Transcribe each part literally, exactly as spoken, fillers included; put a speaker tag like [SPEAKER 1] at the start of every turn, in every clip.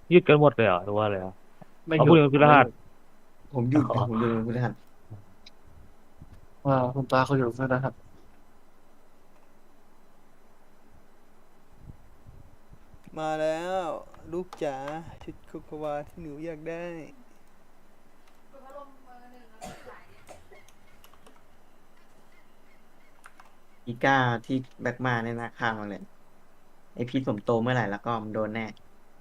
[SPEAKER 1] ยืดกันหมดเลยเหรอหรือว่าอะไรอ่ะ
[SPEAKER 2] ไม่
[SPEAKER 1] เอาพูด
[SPEAKER 2] หยุดผมไม่หยุ
[SPEAKER 1] ถึงพฤหัส
[SPEAKER 2] ดผมหยุด
[SPEAKER 1] อ๋อ
[SPEAKER 2] นะผมหยุดวันพฤหัส
[SPEAKER 3] ว่าคุณตาเขาอยู่ด้วยนะครับ
[SPEAKER 4] มาแล้วลูกจ๋าชุดโคโควาที่หนูอยากได้
[SPEAKER 2] อีก้าที่แบ็กมาเนี่ยนะข้างมาเลยไอพีทผมโตเมื่อไหร่แล้วก็มันโดนแน่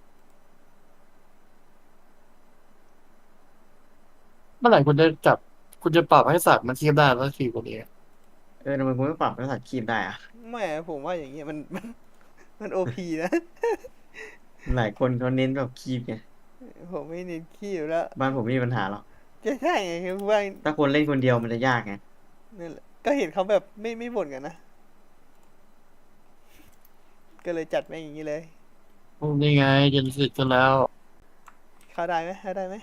[SPEAKER 3] เมื่อไหร่คุณจะจับคุณจะปรับให้สัตว์มันเทียบได้แล้วทีกว่านี้
[SPEAKER 2] เออทำไมคุณไม่ปรับภาษาคีบได้อะ
[SPEAKER 4] แม่ผมว่าอย่างเงี้ยมันมันมันโอพีนะ
[SPEAKER 2] หลายคนเขาเน้นแบบคีบไง
[SPEAKER 4] ผมไม่เน้นขี้อยู่แล้ว
[SPEAKER 2] บ้านผมไม่มีปัญหาหรอก
[SPEAKER 4] จะใช่ไงคือว่า
[SPEAKER 2] ถ้าคนเล่นคนเดียวมันจะยากไง
[SPEAKER 4] นั่นแหละก็เห็นเขาแบบไม่ไม่บ่นกันนะก็เลยจัดแม่งอย่างนี้เลย
[SPEAKER 3] โอ้นี่ไงเจนสิตกันแล้ว
[SPEAKER 4] เข้าได้ไหมเข้าได้ไหม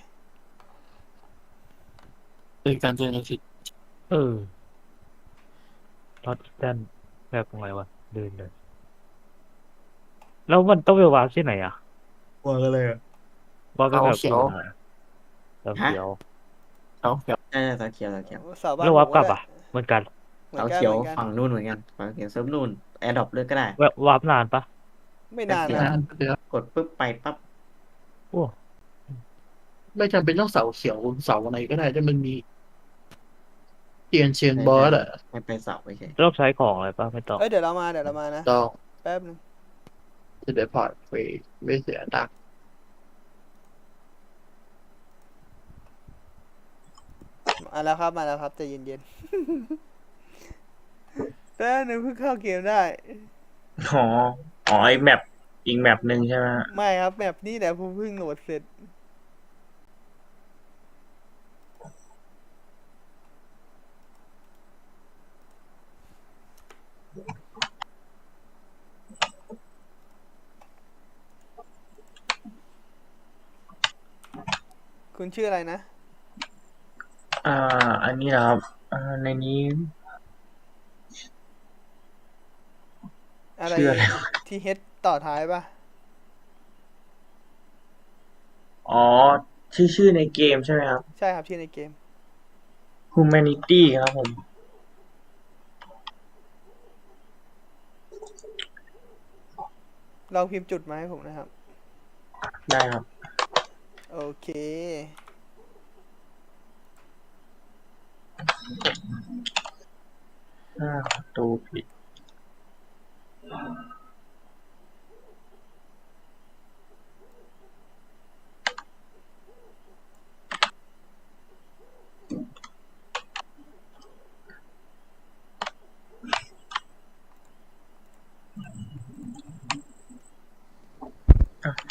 [SPEAKER 3] เป็นการเจนสิต
[SPEAKER 1] เออท็อตแดนแบบไงวะเดินเลยแล้วมันต้องไปวางที่ไหนอ่ะ
[SPEAKER 2] กลัวกันเลย
[SPEAKER 1] วางก็
[SPEAKER 3] เขา
[SPEAKER 1] แบบ
[SPEAKER 3] เขียว
[SPEAKER 1] อยู่ไหนเสา
[SPEAKER 2] ฮะ
[SPEAKER 1] เขียว
[SPEAKER 3] เขาเขียว
[SPEAKER 2] ใช่ใช่สาเขียวสาเขียว
[SPEAKER 4] สาวบ้าน
[SPEAKER 1] แล้ว
[SPEAKER 4] ผมก็ได้
[SPEAKER 1] วับกลับอ่ะเหมือนกัน
[SPEAKER 4] เหมือ
[SPEAKER 2] เสา
[SPEAKER 4] นกัน
[SPEAKER 2] เขียว
[SPEAKER 4] เหมือนกัน
[SPEAKER 2] ฝั่งนู่นเหมือนกันฝั่งเขียวเซิร์ฟนู่นแอร์ดรอปเลือกก็ได้
[SPEAKER 1] แวะวับนานปะ
[SPEAKER 4] ไม่
[SPEAKER 2] แป๊บเดียว
[SPEAKER 4] นานนะ
[SPEAKER 3] นะเดี๋ยว
[SPEAKER 2] กดปุ๊บไปปั๊บ
[SPEAKER 1] โอ้
[SPEAKER 3] ไม่จำเป็นต้องเสาเขียวเสาอะไรก็ได้ถ้ามันมีเทียนเชียน
[SPEAKER 2] ใช่ใช่
[SPEAKER 3] บอสอะ
[SPEAKER 2] ให้ไปเสาไปเฉย
[SPEAKER 1] ต้องใช้ของอะไรปะไม่ต้อง
[SPEAKER 4] เอ้ยเดี๋ยวเรามาเดี๋ยวเรามานะ
[SPEAKER 3] ต้อง
[SPEAKER 4] แป๊บนึง
[SPEAKER 3] จะได้พอร์ตฟรีไม่เสียตังค์
[SPEAKER 4] มาแล้วครับมาแล้วครับใจเย็นๆแป๊บนึงเพิ่งเข้าเกมได้
[SPEAKER 5] อ๋ออ๋อไอแมปอีกแมปหนึ่งใช่ไหมฮะ
[SPEAKER 4] ไม่ครับแบบนี้แหละผมเพิ่งโหลดเสร็จคุณชื่ออะไรนะ
[SPEAKER 5] อ่าอันนี้นะครับอ่าในนี้
[SPEAKER 4] อะไร
[SPEAKER 5] ชื่ออะไร
[SPEAKER 4] ทีเฮดต่อท้ายปะ
[SPEAKER 5] อ๋อชื่อชื่อในเกมใช่ไหมครับ
[SPEAKER 4] ใช่ครับชื่อในเกม
[SPEAKER 5] Humanity ครับผม
[SPEAKER 4] ลองพิมพ์จุดมาให้ผมนะครับ
[SPEAKER 5] ได้ครับ
[SPEAKER 4] โอเค
[SPEAKER 5] อ่าประตูผิดอ่ะ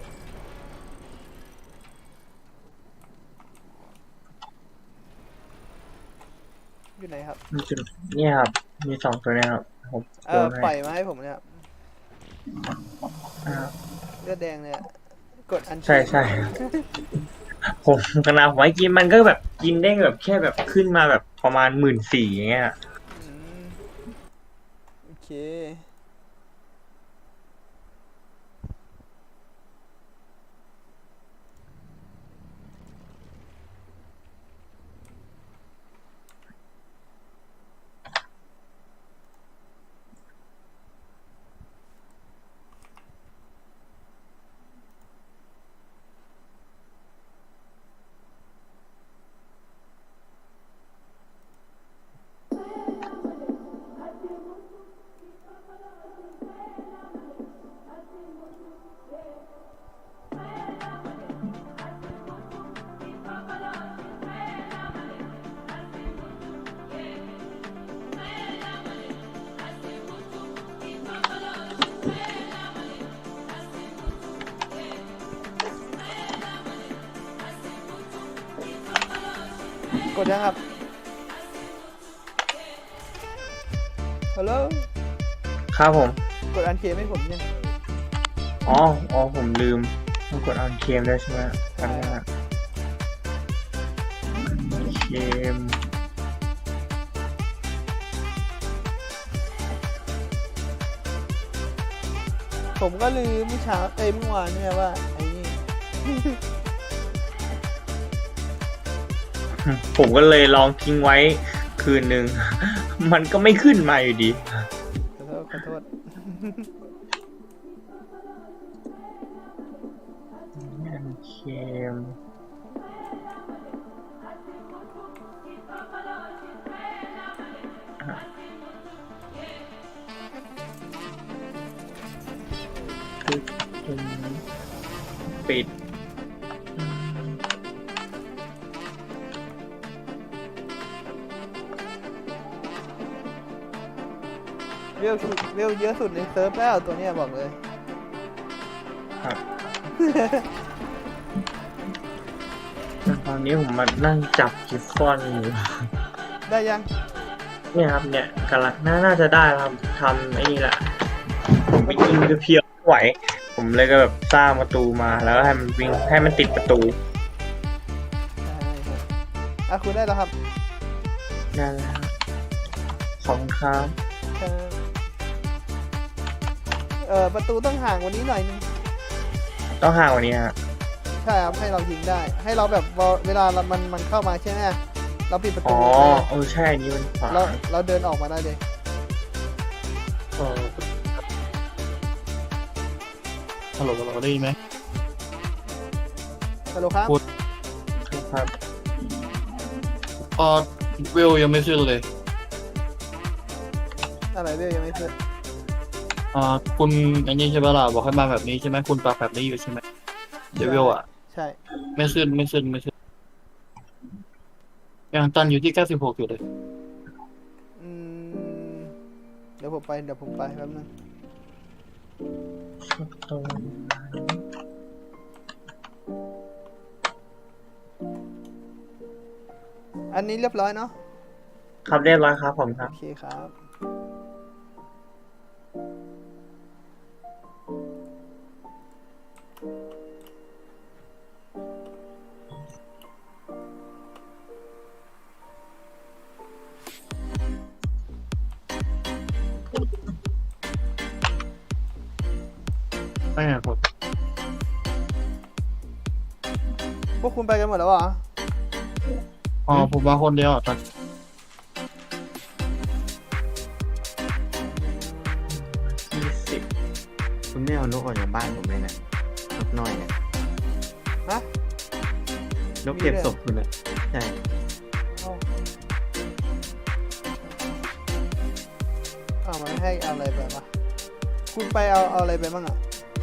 [SPEAKER 4] อยู่ไหนครับ
[SPEAKER 5] มีจุดเนี่ยครับมีสองตัวเนะครับผม
[SPEAKER 4] เอ
[SPEAKER 5] โยนให้
[SPEAKER 4] อปล่อยมาให้ผมเนี่ยครับ
[SPEAKER 5] อ่า
[SPEAKER 4] เลือดแดงเนี่ยกดอันเช
[SPEAKER 5] ใช่
[SPEAKER 4] น
[SPEAKER 5] ใช่ผมกำลังไว้กินมันก็แบบกินได้แบบแค่แบบขึ้นมาแบบประมาณหมื่นสี่อย่างเงี้ย
[SPEAKER 4] อืมโอเคกดยังครับฮัลโหล
[SPEAKER 5] ครับผม
[SPEAKER 4] กดอันเชนให้ผมยัง
[SPEAKER 5] อ๋ออ๋อผมลืมต้องกดออนเคมด้วยใช่ไหมอัน
[SPEAKER 4] ใช่
[SPEAKER 5] นั้นอะเคม
[SPEAKER 4] ผมก็ลืมเมื่อเช้าเอ้ยเมื่อวานเนี่ยว่าไอ้นี่
[SPEAKER 5] ผมก็เลยลองทิ้งไว้คืนหนึ่ง มันก็ไม่ขึ้นมาอยู่ดี
[SPEAKER 4] ขอโทษขอโทษ
[SPEAKER 5] เค็มปิด
[SPEAKER 4] เวลสุดเวลเยอะสุดในเซิร์ฟแล้วตัวเนี้ยบอกเลย
[SPEAKER 5] ครับ ตอนนี้ผมมานั่งจับกิฟฟอนอยู่
[SPEAKER 4] ได้ยัง
[SPEAKER 5] เนี่ยครับเนี่ยกำลังน่าน่าจะได้ครับทำไอ้นี่แหละ ผมไปยิงเพียวๆไม่ไหว ผมเลยก็แบบสร้างประตูมาแล้วก็ให้มันวิ่งให้มันติดประตู
[SPEAKER 4] อ่ะคุณได้แล้วครับ
[SPEAKER 5] นั่นแหละครับขอบคุณครับ
[SPEAKER 4] ครับเออประตูต้องห่างกวันนี้หน่อยนึง
[SPEAKER 5] ต้องห่างกว่านี้ฮะ
[SPEAKER 4] ใช่ครับให้เรายิงได้ ให้เราแบบเวลาเรามันมันเข้ามาใช่ไหมเราปิดประตู
[SPEAKER 5] อ๋อ
[SPEAKER 4] ไว้
[SPEAKER 5] เออใช่อันนี้มันขวา
[SPEAKER 4] เราเราเดินออกมาได้เลย
[SPEAKER 3] เออฮัลโหลเราได้ยินไหม
[SPEAKER 4] ฮัลโหลครับ
[SPEAKER 3] พูด
[SPEAKER 5] ครับ
[SPEAKER 3] พอเวลยังไม่ขึ้นเลย
[SPEAKER 4] อะไรเรื่องยังไม่ขึ้น
[SPEAKER 3] อ่าคุณอันนี้ใช่ไหมล่ะบอกให้มาแบบนี้ใช่ไหมคุณปรับแบบนี้อยู่ใช่ไหมเดวิลอ่ะ
[SPEAKER 4] ใช่
[SPEAKER 3] ไม่ขึ้นไม่ขึ้นไม่ขึ้นยังตันอยู่ที่เก้าสิบหกอยู่เลย
[SPEAKER 4] อืมเดี๋ยวผมไปเดี๋ยวผมไปแป๊บนึงอันนี้เรียบร้อยเนาะ
[SPEAKER 5] ครับเรียบร้อยครับผมครั
[SPEAKER 4] โอบ เคครับ
[SPEAKER 3] ไม่ไงผม
[SPEAKER 4] พวกคุณไปกันหมดแล้วเหรอ
[SPEAKER 3] อ๋อผมมาคนเดียวอ่ะตอน
[SPEAKER 5] ยี่สิบ
[SPEAKER 2] คุณไม่เอานกออกจากบ้านผมเลยนะนกน้อยเนี่ย
[SPEAKER 4] ฮะ
[SPEAKER 2] นกเก็บศพคุณอะใช่
[SPEAKER 4] เอ้าอ้าวมันให้เอาอะไรไปวะคุณไปเอาเอาอะไรไปบ้างอ่ะ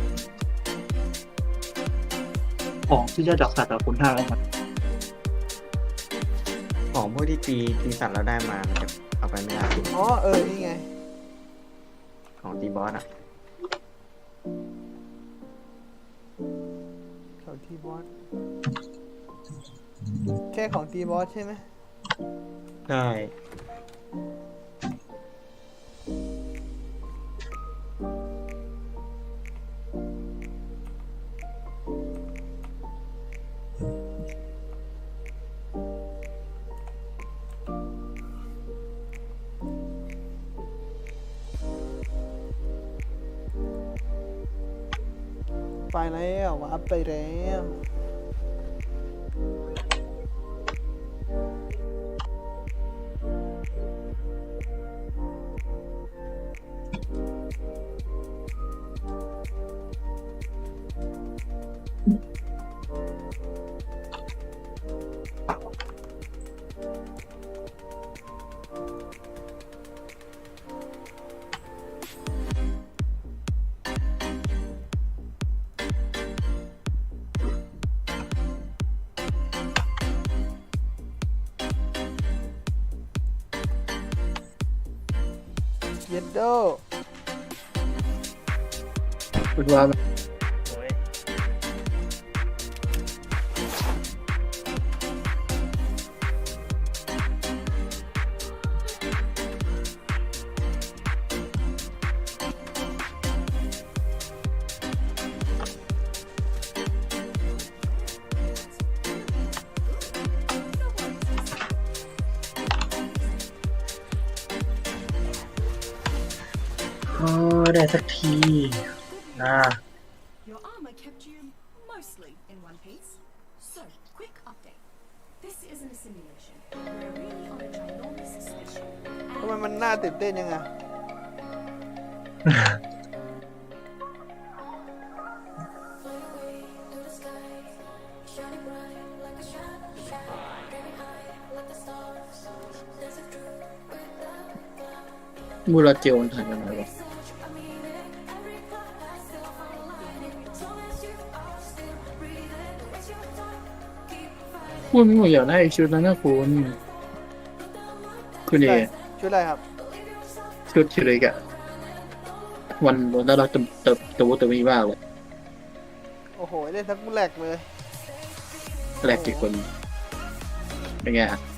[SPEAKER 3] ของที่จะดักสัตว์อะคุณท่าแล้วมัน
[SPEAKER 2] ของพวกที่ตีตีสัตว์เราได้มามันจะเอาไปไม่ได้
[SPEAKER 4] อ๋อเออนี่ไง
[SPEAKER 2] ของตีบอสอ่ะ
[SPEAKER 4] ของทีบอสแค่ของทีบอสใช่ไหม
[SPEAKER 2] ใช่
[SPEAKER 4] ไปแล้ววาร์ปไปแล้ว เย็ดโด
[SPEAKER 3] คุณว่า
[SPEAKER 5] โอ้ได้สักทีนะ
[SPEAKER 6] Your armor kept you nicely in one piece. So, quick update. This isn't a simulation. We're really on a ginormous spaceship.
[SPEAKER 4] ทำไมมันน่าตื่นเต้นยังไง
[SPEAKER 3] มูราเจลมันถ่ายยังไงวะคุณผมอยากได้ชุดนั้นนะคุณคุณเอ
[SPEAKER 4] ชุดอะไรครับ
[SPEAKER 3] ชุดชิริกอะวันวันน่ารักตะตะตะวุตะมีมากเลย
[SPEAKER 4] โอ้โหเล่นทั้งแหลกเลย
[SPEAKER 3] แรกกี่คนเป็นไงฮะ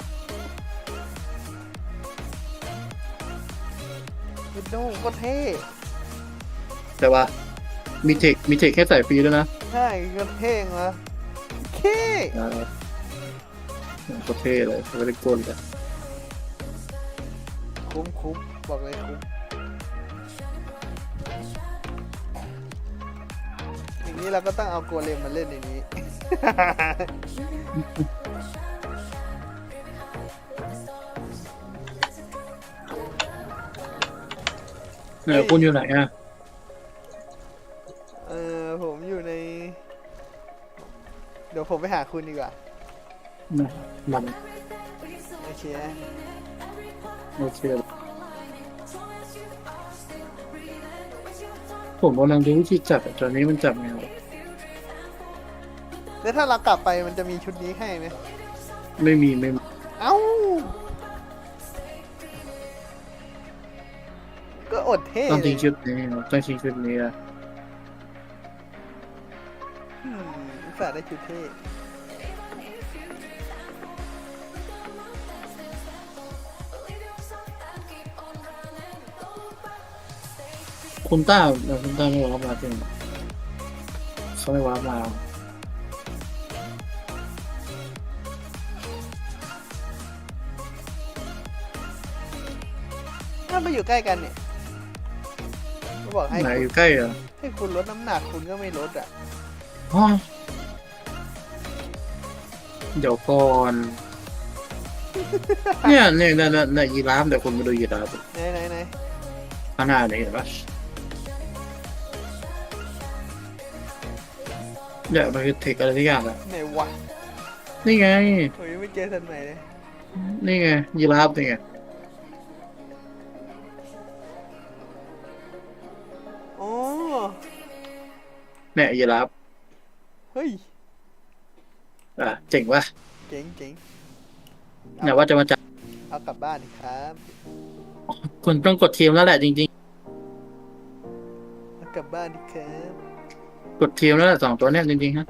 [SPEAKER 4] วิดโดว์ก็เท่
[SPEAKER 3] แต่ว่ามีเทคมีเทคแค่ใส่ฟรีด้วยนะ
[SPEAKER 4] ใช่ก็เท่งนะเท่
[SPEAKER 3] อ่าก็เท่เลยไม่ได้กลเลย
[SPEAKER 4] คุ้มคุ้มบอกเลยคุ้มอย่างนี้เราก็ต้องเอาโกเลมมาเล่นในนี้
[SPEAKER 3] เออคุณอยู่ไหนอ่ะ
[SPEAKER 4] เออผมอยู่ใน เดี๋ยวผมไปหาคุณดีกว่า
[SPEAKER 3] มัน
[SPEAKER 4] โอเคนะ
[SPEAKER 3] โอเคผมกำลังดูวิธีจับอะตอนนี้มันจับไงวะ
[SPEAKER 4] แล้วถ้าเรากลับไปมันจะมีชุดนี้ให้ไหม
[SPEAKER 3] ไม่มีไม่มี
[SPEAKER 4] เอ้า ก็อดเท่
[SPEAKER 3] ต้อง
[SPEAKER 4] เล
[SPEAKER 3] ทิ้
[SPEAKER 4] ย
[SPEAKER 3] งชุดนี้ต้องทิ้งชุดนี้อะ
[SPEAKER 4] อืมอุตส่าห์ได้ชุดเท่
[SPEAKER 3] คุณต้าเออคุณต้าไม่ว้ามาจริงเขาไม่ว้ามา
[SPEAKER 4] ถ้ามาอยู่ใกล้กันเนี่ยก็บอกให้
[SPEAKER 3] ไหน
[SPEAKER 4] คุณ
[SPEAKER 3] อยู่ใกล้เหรอ
[SPEAKER 4] ให้คุณลดน้ำหนักคุณก็ไม่ลดอ่ะ
[SPEAKER 3] อ๋อเดี๋ยวก่อน เนี่ยเนี่ยเนี่ยเนี่ยเนี่ยยีราฟเดี๋ยวคุณมาดูยีราฟ
[SPEAKER 4] ไหนไหนไหน
[SPEAKER 3] ข้างหน้าเนี่ยเห็นปะเนี่ยมันคือเทคอะไรทุกอย่างอะ
[SPEAKER 4] ไหนวะ
[SPEAKER 3] นี่ไง
[SPEAKER 4] โอ้ยไม่เจอทันใหม่เลย
[SPEAKER 3] นี่ไงยีราฟนี่ไง
[SPEAKER 4] อ๋อ
[SPEAKER 3] เนี่ยยีราฟ
[SPEAKER 4] เฮ้ย
[SPEAKER 3] อ่ะเจ๋งปะ
[SPEAKER 4] เจ๋งเจ๋ง
[SPEAKER 3] เนี่ยว่าจะมาจับ
[SPEAKER 4] เอากลับบ้านดิครับ
[SPEAKER 3] คุณต้องกดทีมแล้วแหละจริง
[SPEAKER 4] เอากลับบ้านดิครับ
[SPEAKER 3] ๆ กดทีมแล้วแหละสองตัวเนี่ยจริงๆฮะ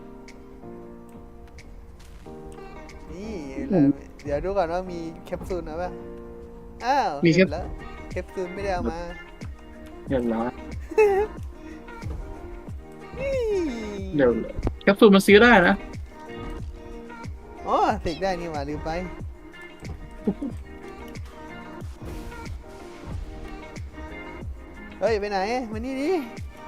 [SPEAKER 4] นี่
[SPEAKER 3] อืม
[SPEAKER 4] เดี๋ยวดูก่อนว่ามีแคปซูลนะป่ะอ้าว
[SPEAKER 3] มีแคป
[SPEAKER 4] เห็นแล้วแคปซูลไม่ได้เอามา
[SPEAKER 3] เรียบร้อย
[SPEAKER 4] นี่
[SPEAKER 3] เดี๋ยวแคปซูลมันซื้อได้นะ
[SPEAKER 4] อ๋อเสกได้นี่หว่าลืมไป เฮ้ย ไปไหน มานี่ดิ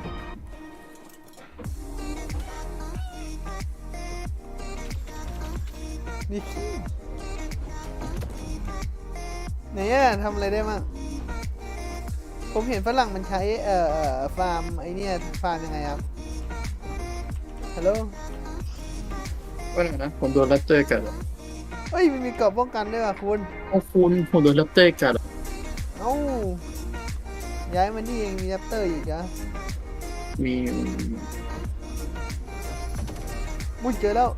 [SPEAKER 4] นี่ไหนอะทำอะไรได้มั่งผมเห็นฝรั่งมันใช้ เอ่อเอ่อฟาร์ม ไอเนี่ย ฟาร์มยังไงครับ ฮัลโหล
[SPEAKER 3] ว่าไงนะผมโดนแรปเตอร์กัดอะ
[SPEAKER 4] เฮ้ย มันมีกรอบป้องกันด้วยว่ะคุณ
[SPEAKER 3] โอ้คุณผมโดนแรปเตอร์กัดอะ
[SPEAKER 4] เอ้า ย้ายมานี่เองมีแรปเตอร์อีกเหรอะ
[SPEAKER 3] มี
[SPEAKER 4] มุ้ยเจอแล้ว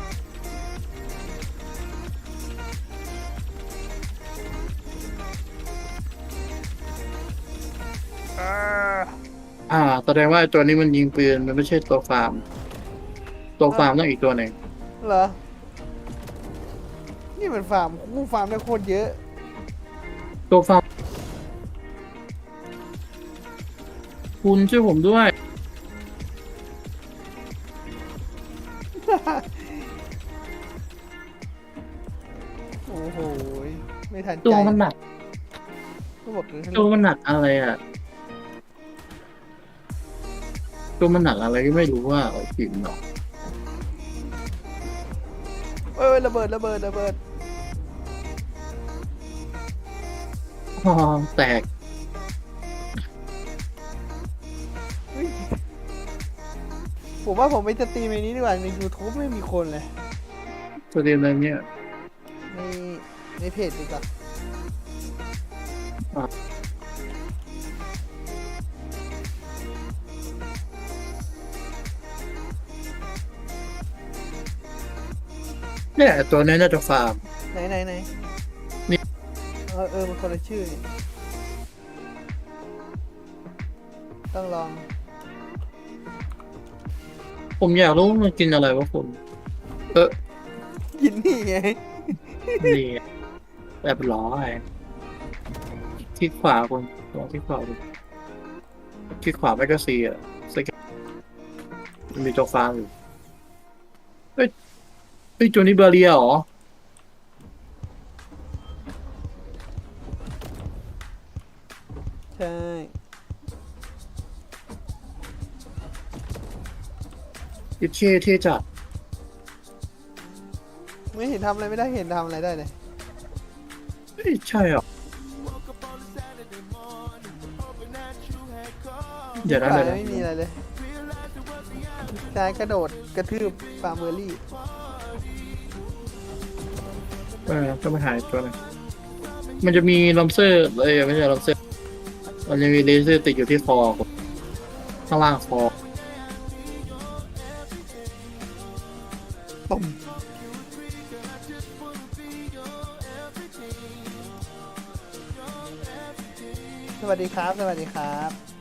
[SPEAKER 3] อ่าแสดงว่าไอ้ตัวนี้มันยิงปืนมันไม่ใช่ตัวฟาร์ม ตัวฟาร์มต้องอีกตัวหนึ่ง
[SPEAKER 4] เหรอ นี่มันฟาร์มกูฟาร์มได้โคตรเยอะ
[SPEAKER 3] ตัวฟาร์มคุณช่วยผมด้วย
[SPEAKER 4] โอ้โห ไม่ทันใจ
[SPEAKER 3] ตัวมันหนัก
[SPEAKER 4] ก็บอกเลย
[SPEAKER 3] ตัวมันหนักอะไรอ่ะ ตัวมันหนักอะไรก็ไม่รู้ว่าผิวเนาะ
[SPEAKER 4] เอ้ยระเบิดระเบิดระเบิด
[SPEAKER 3] อ๋อแตก
[SPEAKER 4] เฮ้ยผมว่าผมไปสตรีมในนี้ดีกว่าใน YouTube ไม่มีคนเลย
[SPEAKER 3] ประเด็นอะไรเนี่ย
[SPEAKER 4] ในในเพจดีกว่า
[SPEAKER 3] เนี่ยตัวนี้น่าจะฟาร์ม
[SPEAKER 4] ไหนไหนไหน
[SPEAKER 3] นี่
[SPEAKER 4] เออเออมันคนละชื่อนี่ต้องลอง
[SPEAKER 3] ผมอยากรู้ว่ามันกินอะไรวะคุณเออ
[SPEAKER 4] กินนี่ไง
[SPEAKER 3] นี่แบบล้อไอ้ที่ขวาคุณตัวที่ขวาคุณที่ขวาไม่ก็ซีอ่ะสแกนมันมีตัวฟาร์มอยู่เฮ้ยเฮ้ยตัวนี้เบอร์เรียเหรอ
[SPEAKER 4] ใช่
[SPEAKER 3] ยิปเช่เท่จัด
[SPEAKER 4] ไม่เห็นทำอะไรไม่ได้เห็นทำอะไรได้เลย
[SPEAKER 3] เฮ้ยใช่เหรอเดี๋ยวนะ
[SPEAKER 4] ฝ่า
[SPEAKER 3] เดี๋ย
[SPEAKER 4] ยว
[SPEAKER 3] นะ
[SPEAKER 4] ไม่มีอะไรเลยชายกระโดดกระทืบฟาร์มเบอร์รี่
[SPEAKER 3] เออก็มาหายตัวหนึงมันจะมีลอมเซอร์เอ้ยไม่ใช่ลอมเซอร์มันจะมีเลเซอร์ติดอยู่ที่คอข้างล่างคอ
[SPEAKER 4] ปุ่มสวัสดีครับ สวัสดีครับ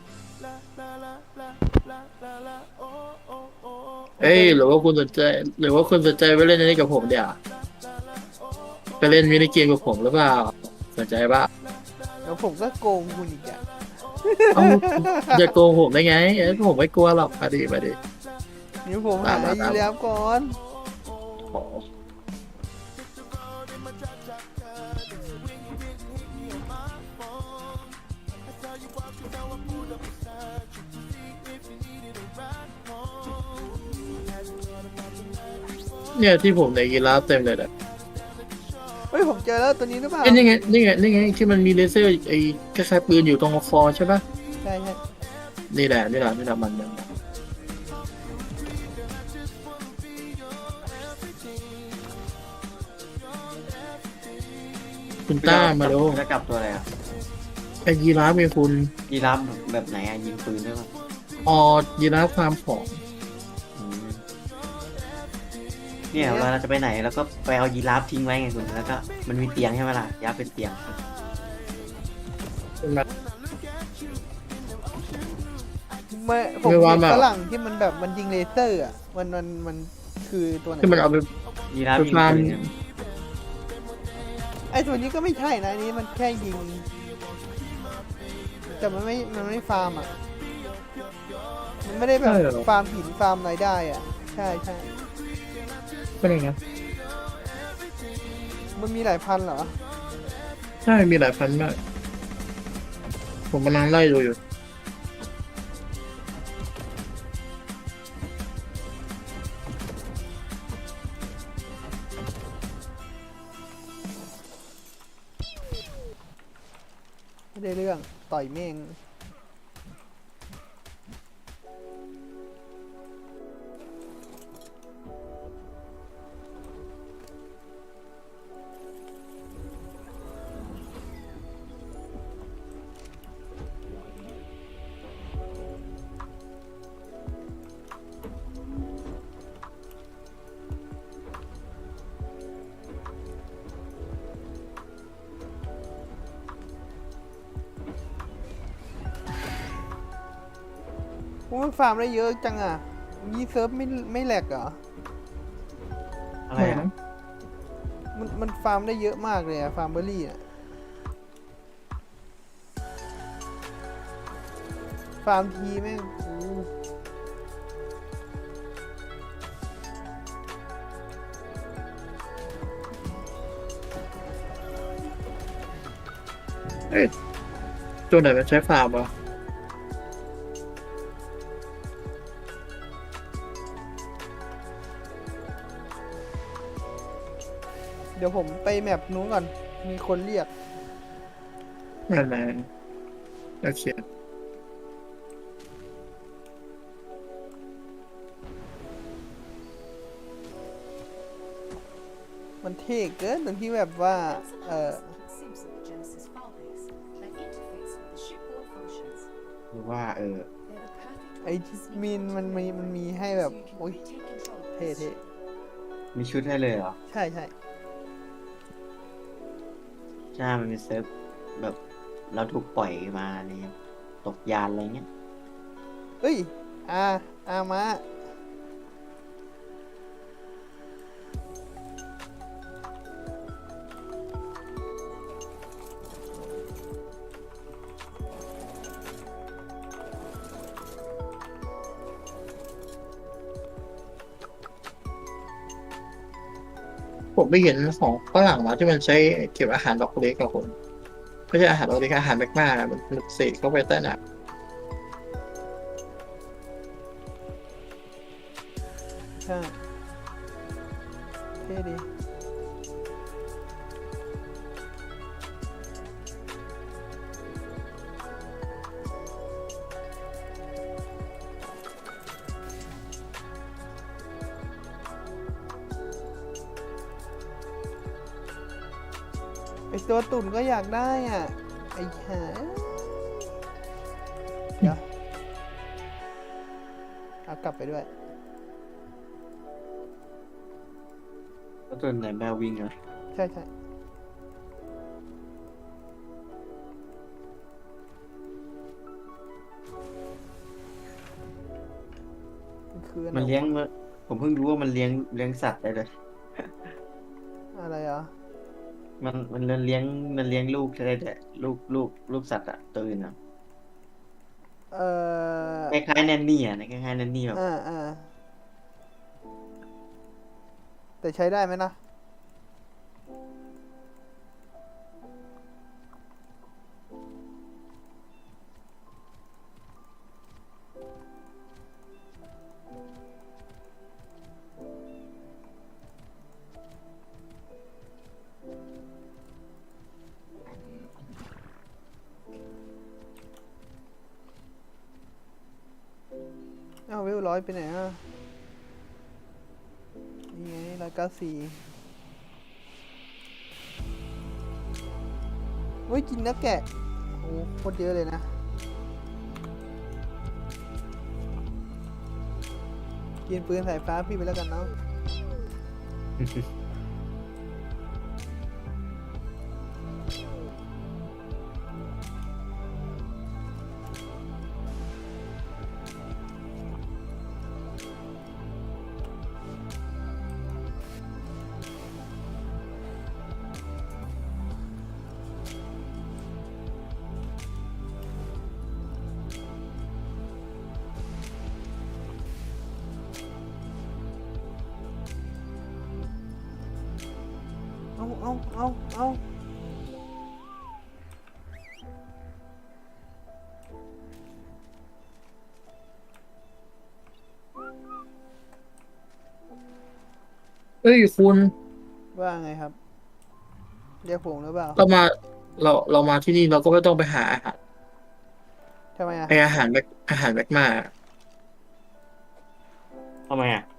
[SPEAKER 3] เอ้ยหรือว่าคุณสนใจ หรือว่าคุณสนใจไปเล่นอันนี้กับผมเดี๋ยวไปเล่นมินิเกมกับผมหรือเปล่าสนใจปะ
[SPEAKER 4] แล้วผมก็โกงคุณอีกอะ
[SPEAKER 3] เอ้าอย่าโกงผมได้ไงเอ้ยผมไม่กลัวหรอกมาดิมาดิ
[SPEAKER 4] นี่ผมหา
[SPEAKER 3] ตามมา
[SPEAKER 4] ยีแล้วก่อน
[SPEAKER 3] ขอเนี่ยที่ผมในกีฬาฟเต็มเลยนะ
[SPEAKER 4] เฮ้ยผมเจอแล้วตัวนี้หรือเปล่า
[SPEAKER 3] เอ้ยนี่ไงนี่ไงนี่ไงที่มันมีเลเซอร์ไอ้คล้ายๆปืนอยู่ตรงคอใช่ปะ
[SPEAKER 4] ใช่ใช่
[SPEAKER 3] นี่แหละนี่แหละนี่แหละมันมันคุณต้ามาดู
[SPEAKER 2] แล้วกลับตัวอะไรอ่ะ
[SPEAKER 3] ไอ้ยีราฟมีคุณ
[SPEAKER 2] ยีราฟแบบไหนอ่ะยิงปืนด้วยป่ะ
[SPEAKER 3] ออยีราฟฟาร์มของ
[SPEAKER 2] อืมเนี่ยเวลาเราจะไปไหนแล้วก็ไปเอายีราฟทิ้งไว้ไงคุณแล้วก็มันมีเตียงใช่ไหมล่ะยีราฟเป็นเตียง
[SPEAKER 3] เป็นแบบ
[SPEAKER 4] ไม่ผม
[SPEAKER 3] ไม่ว่า
[SPEAKER 4] เห็น
[SPEAKER 3] แบบ
[SPEAKER 4] ฝรั่งที่มันแบบมันยิงเลเซอร์อ่ะมันมันมันคือตัวไหน
[SPEAKER 3] ที่มันเอาไป
[SPEAKER 2] ยีราฟ
[SPEAKER 3] ไป
[SPEAKER 2] ยิง
[SPEAKER 3] ฟาร์ม
[SPEAKER 2] ปืนเนี่ย
[SPEAKER 4] ไอตัวนี้ก็ไม่ใช่นะอันนี้มันแค่ยิง แต่มันไม่มันไม่ฟาร์มอ่ะมันไม่ได้แบบ
[SPEAKER 3] ใช่เหรอ
[SPEAKER 4] ฟาร์มหินฟาร์มอะไรได้อ่ะใช่ใช่
[SPEAKER 3] เป็นยังไง
[SPEAKER 4] มันมีหลายพันเหรอ
[SPEAKER 3] ใช่มีหลายพันมาก ผมกำลังไล่ดูอยู่
[SPEAKER 4] ไม่ได้เรื่องต่อยเม่ง โอ้มันฟาร์มได้เยอะจังอ่ะนี่เซิร์ฟไม่ไม่แหลกเหรอ
[SPEAKER 2] อะไรอ่ะ
[SPEAKER 4] มันมันฟาร์มได้เยอะมากเลยอะฟาร์มเบอร์รี่อะฟาร์มทีแม่งโอ้
[SPEAKER 3] เอ้ยตัวไหนมันใช้ฟาร์มวะ
[SPEAKER 4] เดี๋ยวผมไปแมปนู้นก่อน มีคนเรียก
[SPEAKER 3] นั่นแหละโอเค
[SPEAKER 4] มันเท่เกินตรงที่แบบว่า เออ
[SPEAKER 6] Seems that the Genesis filebase that interface with the shipboard functions.
[SPEAKER 2] หรือว่าเออ
[SPEAKER 6] They're the perfect
[SPEAKER 4] ไอ้ที่มีนมันมีมันมีให้แบบ
[SPEAKER 6] so you
[SPEAKER 4] โอ้ย
[SPEAKER 6] can retake control of
[SPEAKER 4] เท่
[SPEAKER 6] this
[SPEAKER 4] เท่
[SPEAKER 6] ship.
[SPEAKER 2] มีชุดให้เลยเหรอ
[SPEAKER 4] ใช่ใช่
[SPEAKER 2] ใช่ มันมีเซิร์ฟแบบเราถูกปล่อยมาในตกยานอะไรเงี้ย
[SPEAKER 4] เอ้ย อาอามา
[SPEAKER 3] ผมไปเห็นของฝรั่งมาที่มันใช้เก็บอาหารดอกเล็กกับคนไม่ใช่อาหารดอกเล็กอาหารแมกมามันมันเสกเข้าไปใต้น้
[SPEAKER 4] ใช่ เท่ดี ไอตัวตุ่นก็อยากได้อ่ะ ไอ้หาเดี๋ยวเอากลับไปด้วย
[SPEAKER 2] ก็ตัวไหนแมววิ่งเหรอ
[SPEAKER 4] ใช่ใช่มันคืออันไห
[SPEAKER 2] มันเลี้ยงเมื่อผมเพิ่งรู้ว่ามันเลี้ยงเลี้ยงสัตว์ได้เลย
[SPEAKER 4] อะไรอ่ะ
[SPEAKER 2] มันมันเลี้ยงมันเลี้ยงลูกได้ด้วยลูกลูกลูกสัตว์อะตัวอื่นอะ
[SPEAKER 4] เอ่อ
[SPEAKER 2] คล้ายๆแนนนี่อะคล้ายๆแนนนี่แบบ
[SPEAKER 4] อ่าอ่าแต่ใช้ได้ไหมนะ เอ้าเวลร้อยไปไหนอ่ะ นี่ไงร้อยเก้าสี่เฮ้ยกินเนื้อแกะ โอ้โคตรเยอะเลยนะ กินปืนสายฟ้าพี่ไปแล้วกันเนาะ เอาเอาเอาเอา
[SPEAKER 3] ำเอ้ยคุณ
[SPEAKER 4] ว่าไงครับ เรียกผมหรือเปล่า
[SPEAKER 3] เรามาเราเรามาที่นี่เราก็ไม่ต้องไปหาอาหาร
[SPEAKER 4] ทำไมอ่ะ
[SPEAKER 3] ไออาหารแมกอาหารแมกมา
[SPEAKER 2] ทำไมอะ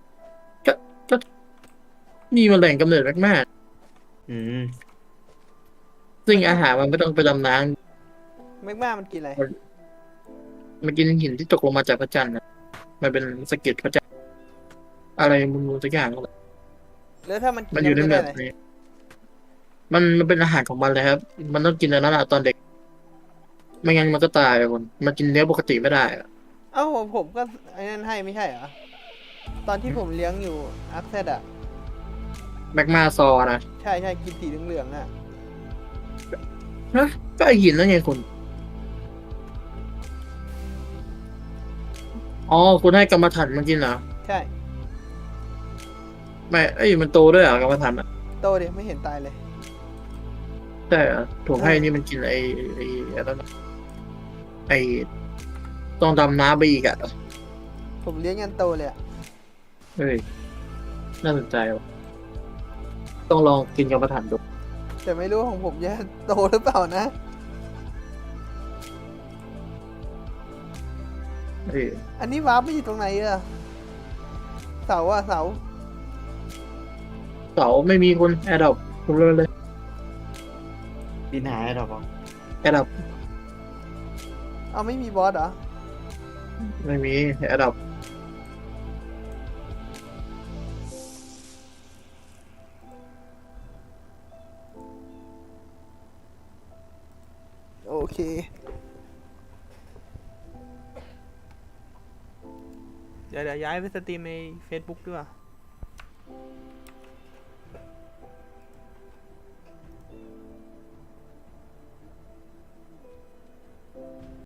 [SPEAKER 3] นี่มันแหล่งกำเนิดแมกมา
[SPEAKER 2] อืม
[SPEAKER 3] ซึ่งอาหารมันไม่ต้องไปดำน้
[SPEAKER 4] แมกมามันกินอะไร
[SPEAKER 3] ำมันกินหินที่ตกลงมาจากพระจันทร์นะมันเป็นสะเก็ดพระจันทร์อะไรมึงสักอย่างนั่นแหละ
[SPEAKER 4] แล้วถ้ามันกิน
[SPEAKER 3] มันอยู่ใน
[SPEAKER 4] แล้ว
[SPEAKER 3] แบ
[SPEAKER 4] จะ
[SPEAKER 3] บ
[SPEAKER 4] ได้อะไร
[SPEAKER 3] นี้ มันมันเป็นอาหารของมันเลยครับ มันต้องกินอันนั้นอะตอนเด็ก ไม่งั้นมันก็ตายอะคนมันกินเนื้อปกติไม่ได้อะ
[SPEAKER 4] เอ้าผมผมก็ไอ้นั่นให้ไม่ใช่เหรอ ตอนที่ผมเลี้ยงอยู่อาร์คเซดอ่ะ
[SPEAKER 3] แมกมาซอนะ
[SPEAKER 4] ใช่ใช่กินสีเหลืองๆอ่ะ
[SPEAKER 3] ฮะก็ไอหินนั่นไงคุณ อ๋อ คุณให้กรรมฐานมันกินเหรอ
[SPEAKER 4] ใช่
[SPEAKER 3] ไม่ เอ้ย มันโตด้วยเหรอกรรมฐานอ่ะ
[SPEAKER 4] โตเดียไม่เห็นตายเลย
[SPEAKER 3] ใช่เหรอผมให้นี่มันกินไอไอไอ้นั่นอะไอต้องดำน้ำไปอีกอ่ะ
[SPEAKER 4] ผมเลี้ยงยันโตเลยอ่ะ
[SPEAKER 3] เฮ้ย น่าสนใจว่ะต้องลองกินกรรมฐานดู
[SPEAKER 4] แต่ไม่รู้ของผมจะโตหรือเปล่านะ
[SPEAKER 3] เออ
[SPEAKER 4] อันนี้วาร์ปไม่อยู่ตรงไหนอะเสาอะเสา
[SPEAKER 3] เสาไม่มีคนแอดดับคุณเลยเลย
[SPEAKER 2] บินหายดอกบอก
[SPEAKER 3] แอดดับ
[SPEAKER 4] เอาไม่มีบอสเหรอ
[SPEAKER 3] ไม่มีแอดดับ
[SPEAKER 4] โอเค เดี๋ยวเดี๋ยวย้ายไปสตรีมใน Facebook ด้วย